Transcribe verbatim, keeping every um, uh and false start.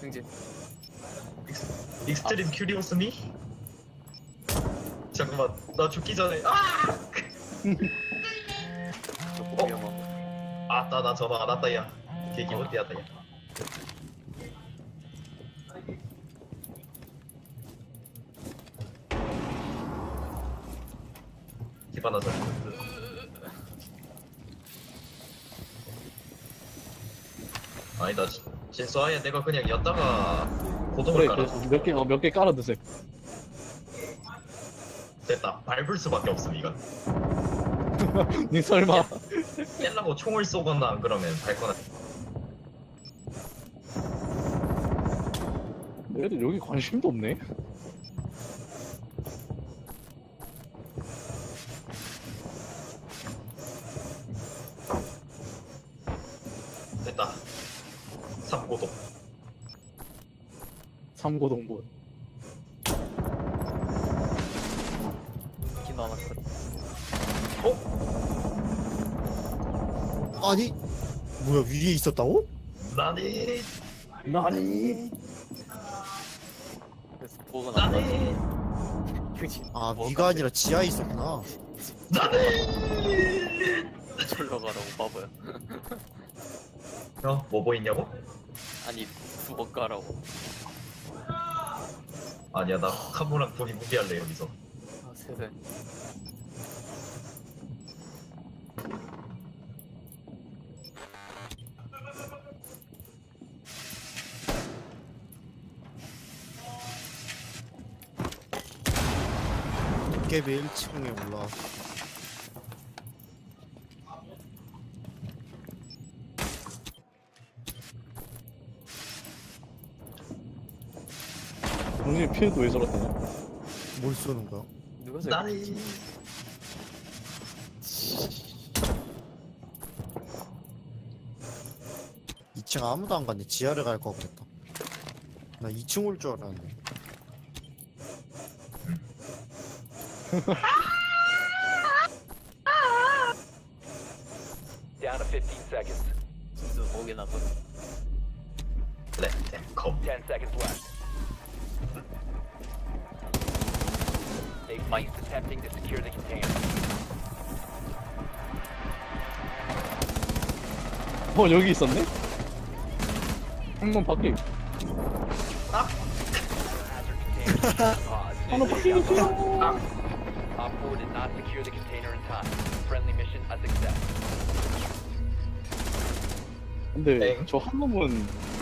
승진. 익스, 익스트림 큐리오스미? 잠깐만 나 죽기 전에 아! 너무 어? 위험하고. 아따 나 전화 안 왔다 야 되게 기분띠하다 야 기반하자 아니다 진수아야 내가 그냥 였다가 고동을 그래, 깔아 그래서 몇 개, 어, 몇 개 깔아 드세요. 됐다 밟을 수밖에 없음 이건 니 설마. 깰라고 총을 쏘거나 안 그러면 밟거나 얘들 여기 관심도 없네. 됐다 삼고동 삼고동본. 긴 하나 컷. 어? 아니 뭐야 위에 있었다고? 나니 나니? 그래서 보고 나서 나니 승진. 아 뭐 위가 아니라 지하에 있었구나. 나니 절로 가라고 바보야. 어? 뭐 보이냐고? 아니 두번 가라고. 아니야 나 카무랑 둘이 무비할래 여기서 아 세상. 도깨비 일 층에 올라. 형님 피해도 왜 저렇다냐? 뭘 쏘는 거야? 누가 저 나니 이 층 아무도 안 갔네. 지하를 갈 거 같겠다. 나 이 층 올 줄 알았네. Down to fifteen seconds. 진짜 목에 나서. 렛츠컴 ten seconds left. They've ceased attempting to secure the container. 어, 여기 있었네? 한번 밖에. Hazard container. Pause. 한번 밖에 있어. Op four did not secure the container in time. Friendly mission a success. 근데 엥? 저 한 놈은